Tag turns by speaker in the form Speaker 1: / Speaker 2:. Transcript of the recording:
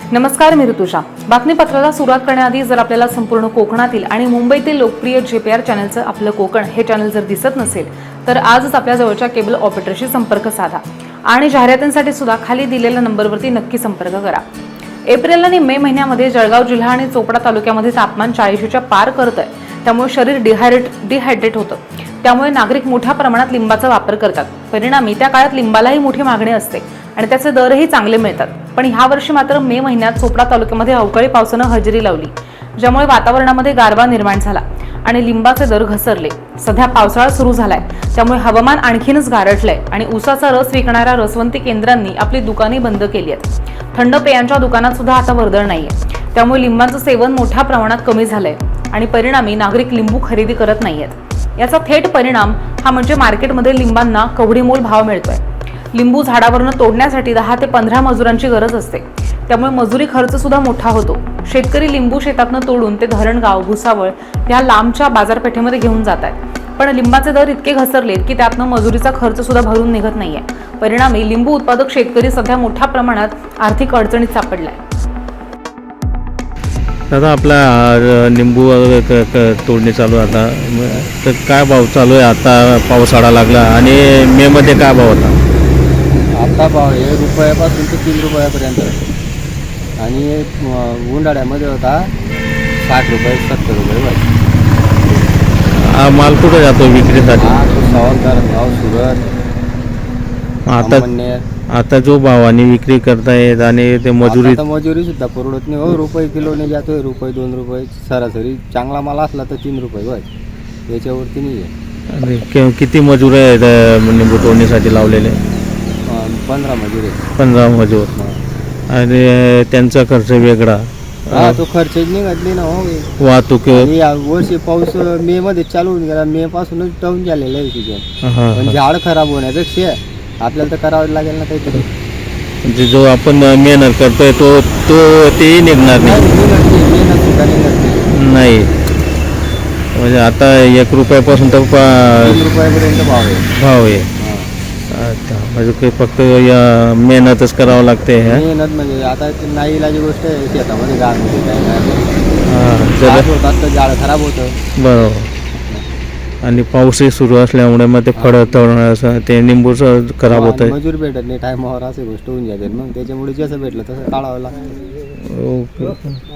Speaker 1: नमस्कार, मी ऋतुषा. बातमीपत्राला सुरुवात करण्याआधी जर आपल्याला संपूर्ण कोकणातील आणि मुंबईतील लोकप्रिय JPR चॅनलचं आपलं कोकण हे चॅनल जर दिसत नसेल तर आजच आपल्या जवळच्या केबल ऑपरेटरशी संपर्क साधा आणि जाहिरातींसाठी सुद्धा खाली दिलेल्या नंबरवरती नक्की संपर्क करा. एप्रिल आणि मे महिन्यामध्ये जळगाव जिल्हा आणि चोपडा तालुक्यामध्ये तापमान 40च्या पार करत आहे. त्यामुळे शरीर डिहायड्रेट होतं. त्यामुळे नागरिक मोठ्या प्रमाणात लिंबाचा वापर करतात. परिणामी त्या काळात लिंबालाही मोठी मागणी असते आणि त्याचे दरही चांगले मिळतात. पण ह्या वर्षी मात्र मे महिन्यात चोपडा तालुक्यामध्ये अवकाळी पावसानं हजेरी लावली, ज्यामुळे वातावरणामध्ये गारवा निर्माण झाला आणि लिंबाचे दर घसरले. सध्या पावसाळा सुरू झालाय, त्यामुळे हवामान आणखीनच गारठलंय आणि ऊसाचा रस विकणाऱ्या रसवंती केंद्रांनी आपली दुकाने बंद केली आहेत. थंड पेयांच्या दुकानात सुद्धा आता वर्दळ नाहीये. त्यामुळे लिंबाचं सेवन मोठ्या प्रमाणात कमी झालंय आणि परिणामी नागरिक लिंबू खरेदी करत नाहीयेत. याचा थेट परिणाम हा म्हणजे मार्केटमध्ये लिंबांना कवडीमोल भाव मिळतोय. लिंबू झाडावरून तोडण्यासाठी 10 ते 15 मजुरांची गरज असते. त्यामुळे मजुरी खर्च सुद्धा मोठा होतो. शेतकरी लिंबू शेतातनं तोडून ते धरणगाव, भुसावळ या लांबच्या बाजारपेठेमध्ये घेऊन जात आहेत. पण लिंबाचे दर इतके घसरलेत की त्यातनं मजुरीचा खर्च सुद्धा भरून निघत नाहीये. परिणामी लिंबू उत्पादक शेतकरी सध्या मोठ्या प्रमाणात आर्थिक अडचणीत सापडलाय.
Speaker 2: दादा, आपला लिंबू तोडणी चालू आहे आता, तर काय भाव चालू आहे? आता पावसाळा लागला आणि मे मध्ये काय भाव होता?
Speaker 3: आता भाव आहे रुपयापासून ते 3 रुपयापर्यंत आणि उन्हाळ्यामध्ये होता 60 रुपये 70 रुपये.
Speaker 2: हा माल कुठे जातो विक्रीसाठी?
Speaker 3: सावंतर भाव सुरत
Speaker 2: आता जो भावाने विक्री करतायत आणि ते
Speaker 3: मजुरी सुद्धा परवडत नाही हो. रुपये किलोने जातोय, रुपये 2 रुपये सरासरी. चांगला माल असला तर 3 रुपये बघ, याच्यावरती नाही आहे.
Speaker 2: किती मजूर आहेत लिंबू तोडणीसाठी लावलेले?
Speaker 3: 15 मजूर आहे.
Speaker 2: 15 मजूर. आणि त्यांचा खर्च वेगळा.
Speaker 3: हा, तो खर्च निघतली ना हो.
Speaker 2: वाहतूक
Speaker 3: या वर्षी पाऊस मे मध्ये चालू होऊन गेला. मे पासूनच डाऊन झालेलं आहे तिथे. पण झाड खराब होण्यापेक्षा आपल्याला तर करावं लागेल ना काहीतरी.
Speaker 2: म्हणजे जो आपण मेहनत करतोय तो तेही निघणार नाही. म्हणजे आता 1 रुपयापासून तर
Speaker 3: 3 रुपयापर्यंत भाव आहे.
Speaker 2: अच्छा, म्हणजे काही फक्त या मेहनतच करावं लागते.
Speaker 3: मेहनत म्हणजे आता नाही इलाजी गोष्ट आहे. शेतामध्ये गाळमध्ये काय होतात तर झाड खराब होतं.
Speaker 2: बरोबर. आणि पाऊसही सुरू असल्यामुळे मग ते फळं तळणं ते लिंबूचं खराब होत आहे.
Speaker 3: मजूर भेटत नाही टायमावर, अशी गोष्ट होऊन जाते. मग त्याच्यामुळे जसं भेटलं तसं काढावं लागतं.
Speaker 2: ओके.